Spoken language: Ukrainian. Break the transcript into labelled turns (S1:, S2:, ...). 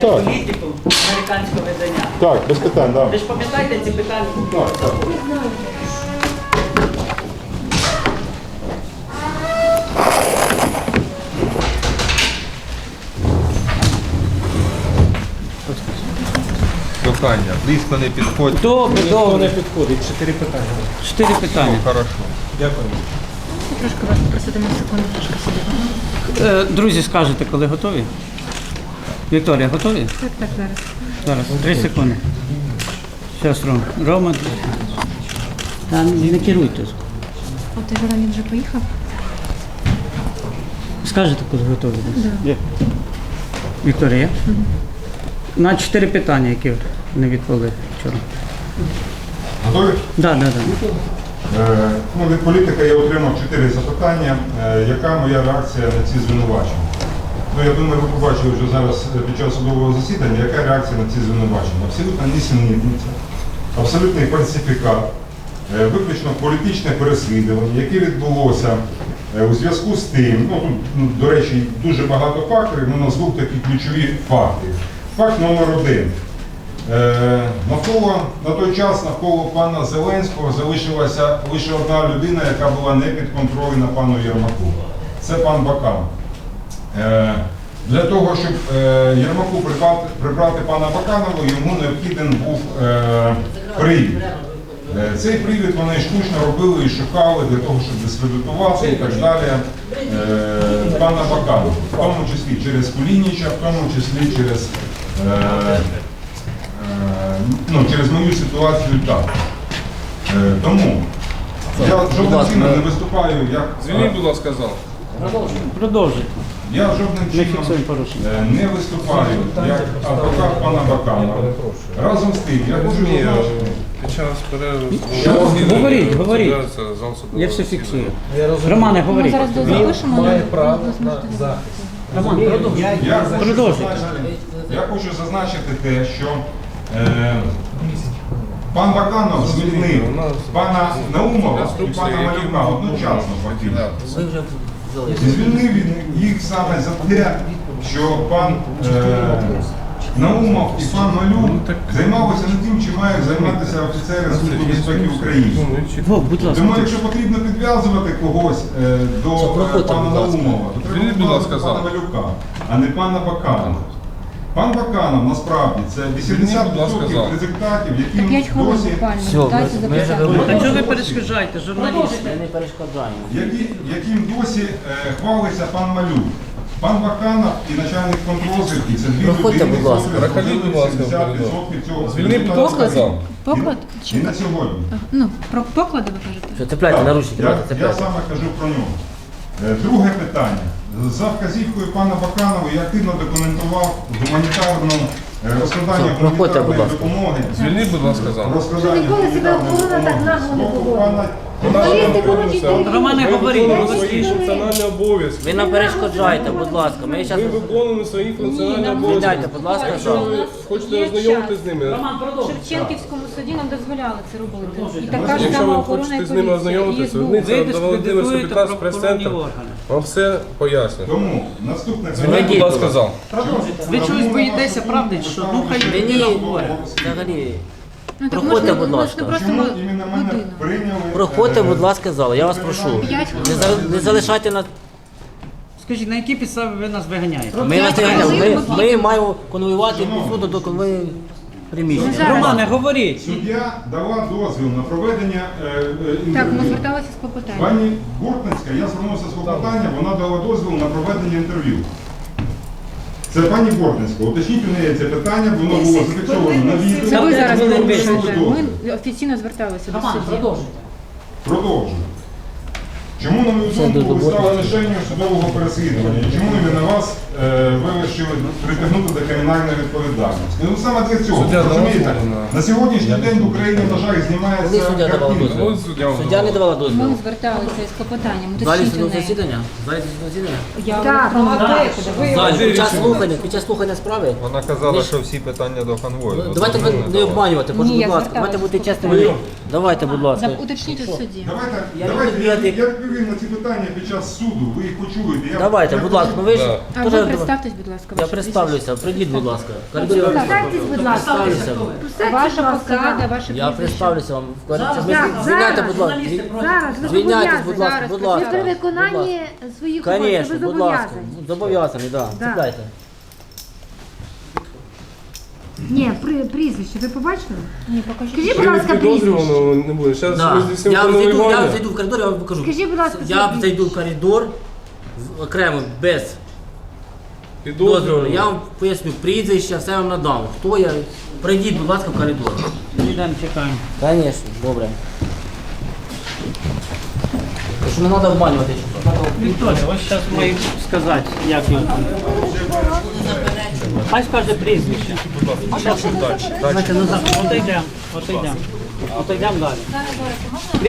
S1: Політику американського видання.
S2: Так, без питань, так.
S1: Ви ж пам'ятаєте ці питання?
S2: Так.
S3: Прохання, близько не підходь.
S1: Добре,
S4: Ніхто
S1: добре.
S4: не підходить. 4 питання.
S1: 4 питання.
S3: Хорошо.
S4: Дякую.
S5: Трошки вас попросити на секунду, трошки сидіти.
S1: Друзі, скажете, коли готові? Вікторія, готові?
S5: Так, зараз.
S1: Зараз, 3 секунди. Зараз, Рома. Та не керуйте.
S5: А ти Жорамін вже поїхав?
S1: Скажете, коли готові?
S5: Да.
S1: Є. Вікторія? На 4 питання, які не відповіли вчора.
S2: Готові?
S1: Так.
S2: Від політика я отримав 4 запитання. Яка моя реакція на ці звинувачення? Я думаю, ви побачили вже зараз під час судового засідання, яка реакція на ці звинувачення. Абсолютно нісенітниця, абсолютний фальсифікат, виключно політичне переслідування, яке відбулося у зв'язку з тим, тут, до речі, дуже багато факторів, назву такі ключові факти. Факт номер 1. На той час навколо пана Зеленського залишилася лише одна людина, яка була не підконтрольна пану Єрмаку. Це пан Баканов. Для того, щоб Єрмаку прибрати пана Баканова, йому необхіден був привід. Цей привід вони штучно робили і шукали для того, щоб дискредитувати і так далі пана Баканова. В тому числі через Кулініча, в тому числі через мою ситуацію так. Тому я жодним чином не виступаю як...
S3: Звільніть, будь ласка, зал.
S1: Продовжуйте.
S2: Я жодним чином не виступаю як адвокат пана Баканова. Разом з тим, я хочу зазначити.
S3: Під час перерви...
S1: Говоріть. Я все фіксую. Романе,
S5: Ми
S1: говоріть.
S5: зараз запишемо.
S4: Має право на захист.
S1: Роман, продовжуйте.
S2: Я хочу зазначити те, що пан Баканов звільнив пана Наумова і пана Малюка одночасно фактично. І звільнив їх саме за те, що пан Наумов і пан Малюк займалися не тим, чим мають займатися офіцери Служби безпеки України.
S1: Будь ласка.
S2: Тому якщо потрібно підв'язувати когось до пана Наумова, то треба підв'язувати пана Малюка, а не пана Баканова. Пан Баканов насправді це 80% результатів, яким
S5: 5 хвилин
S2: досі,
S5: буквально. Дайте записати.
S1: Та чого ви перешкоджаєте, журналісти?
S2: яким досі хвалиться пан Малюк. Пан Баканов і начальник контррозвідки – це дві людини,
S3: Проходіть, будь ласка, в коридор. Звільніть, будь ласка, зал.
S5: Поклад?
S2: І на сьогодні.
S5: Про поклади ви кажете?
S6: Що, цепляйте наручники,
S2: Я
S6: цепляйте.
S2: саме кажу про нього. Друге питання. За вказівкою пана Баканова я активно документував гуманітарну розкладання
S6: проходьте, будь
S2: гуманітарної
S6: ласка.
S2: допомоги.
S3: Звільніть, будь ласка, зал.
S2: Розкладання
S7: Ніколи себе охорона так нагло не поводила. Журналісти будуть йти.
S1: Романе, говоріть.
S8: свої функціональні обов'язки.
S6: Ви нам перешкоджаєте, будь ласка. Ми
S8: Ви
S6: зараз...
S8: виконуєте свої функціональні обов'язки.
S6: Звільняйте, будь ласка,
S8: Якщо ви хочете ознайомитися з ними,
S5: В Шевченківському суді нам дозволяли це робити. І така ж
S8: якщо
S5: сама
S8: ви
S5: охорона і
S8: хочете з ними
S5: поліція.
S8: ознайомитися,
S5: І
S8: одниця
S1: Ви
S8: до Володимирського
S1: дискредитуєте
S8: 15
S1: правоохоронні
S8: прес-центр
S1: органи.
S8: вам все пояснить.
S2: Тому наступне
S8: Звільніть, будь ласка, зал.
S1: Ви чогось боїтеся, правда, що? Ну, хай людина говорить.
S6: Взагалі...
S5: Ну, так
S6: Проходьте,
S5: можна,
S6: будь ласка.
S5: просто
S2: Чому іменно мене
S5: годину.
S2: прийняли?
S6: Проходьте, будь ласка, зал. Я вас прошу. Не залишайте нас...
S1: Скажіть, на якій підставі ви нас виганяєте?
S6: Ми вас не ганяємо. Ми маємо конвоювати від суду до конвою приміщення.
S1: Романе, говоріть.
S2: Суддя дала дозвіл на проведення
S5: Так, ми
S2: інтерв'ю.
S5: зверталися з клопотанням.
S2: Пані Бортницька, я звернувся з клопотанням, вона дала дозвіл на проведення інтерв'ю. Це пані Бортницька. Уточніть у неї це питання, воно було зафіксовано на відео.
S5: Це ви зараз
S2: Вона
S5: порушуєте.
S2: дала дозвіл.
S5: Ми офіційно зверталися до судді.
S2: Продовжую. Чому, на мою думку, ви стали мішенню судового переслідування? І чому іменно вас вирішили притягнути до кримінальної відповідальності? Ну саме для цього.
S8: Суддя давав
S2: Розумієте?
S8: дозвіл на-
S2: На сьогоднішній день в Україні, на жаль,
S6: Коли
S2: знімається
S6: суддя давала
S2: картинка.
S6: дозвіл? Суддя не давала дозвіл.
S5: Ми зверталися з клопотанням.
S6: В залі
S5: Уточніть у
S6: судового
S5: неї.
S6: засідання? В залі судового засідання?
S5: Я в
S7: Так,
S5: електронному
S7: молодець.
S5: порядку
S6: В
S5: давала.
S6: залі, під час слухання справи?
S3: Вона казала, що всі питання до конвою.
S6: Давайте ви не обманювати,
S5: Ні, я
S6: будь ласка. Давайте
S5: зверталась.
S6: бути чесними. Давайте, будь ласка.
S5: Уточніть у судді.
S2: Давайте,
S6: Я
S2: давайте,
S6: люблю бігати.
S2: я відповім на ці питання під час суду, ви їх почуєте.
S6: Давайте, будь ласка, ну ви ж
S5: А
S6: теж-
S5: ви представтесь, будь ласка.
S6: Я
S5: ваше
S6: представлюся, прийдіть, будь ласка. В коридорі я
S7: Представтесь, будь ласка.
S6: представлюся.
S5: прізвище. Ваша посада, ваше
S6: Я
S5: прізвище.
S6: представлюся вам. В коридорі.
S7: Зараз,
S6: Звільняйте, будь ласка.
S7: Зараз, ви
S6: Звільняйтесь, будь ласка,
S7: зобов'язані.
S6: будь
S7: Ви
S6: ласка.
S7: при виконанні своїх обов'язків
S6: Звісно,
S7: ви
S6: будь ласка.
S7: зобов'язані.
S6: Зобов'язаний, так.
S7: Да.
S6: Чекайте.
S7: Ні, прізвище, ви побачили?
S5: Ні, покажіть.
S7: Скажіть, будь ласка, прізвище.
S8: Підозрюваного не буде. Зараз
S6: Да.
S8: ми здійснимо
S6: Я
S8: конвоювання.
S6: зайду в коридор, я вам покажу.
S7: Скажіть, будь ласка,
S6: Я
S7: своє
S6: зайду в коридор окремо, без
S8: Підозрюваного.
S6: дозволу. Я вам поясню прізвище, все вам надам. Хто я? Прийдіть, будь ласка, в коридор.
S1: Йдемо, чекаємо.
S6: Звісно, добре. Тому що не треба обманювати.
S1: Вікторія, ось зараз маю сказати, як його там. Хай скаже прізвище. Знаєте, назад, отойдемо, отойдемо. Отойдемо далі.